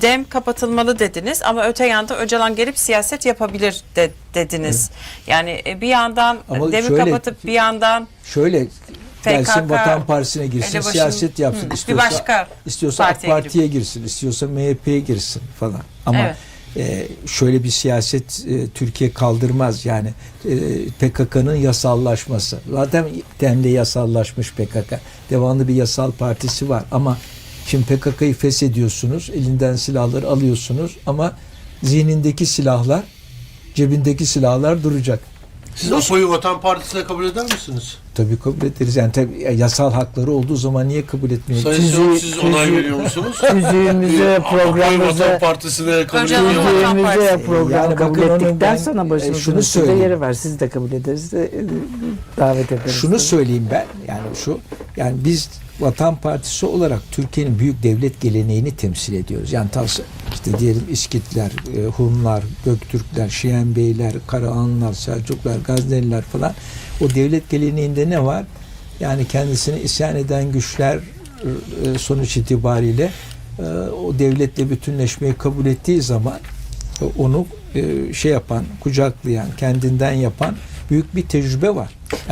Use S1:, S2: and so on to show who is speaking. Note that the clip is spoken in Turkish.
S1: Dem kapatılmalı dediniz ama öte yanda Öcalan gelip siyaset yapabilir dediniz. Evet. Yani bir yandan
S2: ama
S1: Dem'i
S2: şöyle,
S1: kapatıp bir yandan
S2: şöyle gelsin
S1: PKK,
S2: Vatan Partisi'ne girsin, siyaset yapsın. İstiyorsa AK Parti'ye girsin, istiyorsa MHP'ye girsin falan. Ama
S1: evet.
S2: Şöyle bir siyaset Türkiye kaldırmaz. Yani PKK'nın yasallaşması. Zaten Dem'de yasallaşmış PKK. Devamlı bir yasal partisi var. Ama şimdi PKK'yı feshediyorsunuz, elinden silahları alıyorsunuz ama zihnindeki silahlar, cebindeki silahlar duracak.
S3: Siz Apo'yu Vatan Partisi'ne kabul eder misiniz?
S2: Tabii kabul ederiz. Yani tabii yasal hakları olduğu zaman niye kabul etmiyoruz?
S3: Sayın siz onay veriyor musunuz?
S4: Tüzüğümüze,
S3: Apo'yu
S4: programımıza,
S3: Vatan Partisi'ne kabul
S1: Öcalan'ı
S3: ediyor
S1: Vatan
S3: musunuz?
S4: tüzüğümüze programı
S2: Yani
S4: kabul
S2: bakın onu
S4: ettikten
S2: ben,
S4: sonra başımızın
S2: şunu
S4: üstünde
S2: söyleyeyim.
S4: yeri var. Siz de kabul ederiz de davet ederiz.
S2: Şunu söyleyeyim ben, yani biz Vatan Partisi olarak Türkiye'nin büyük devlet geleneğini temsil ediyoruz. Yani işte diyelim İskitler, Hunlar, Göktürkler, Şiyen Beyler, Karahanlılar, Selçuklar, Gazneliler falan. O devlet geleneğinde ne var? Yani kendisine isyan eden güçler sonuç itibariyle o devletle bütünleşmeyi kabul ettiği zaman onu kucaklayan, kendinden yapan büyük bir tecrübe var.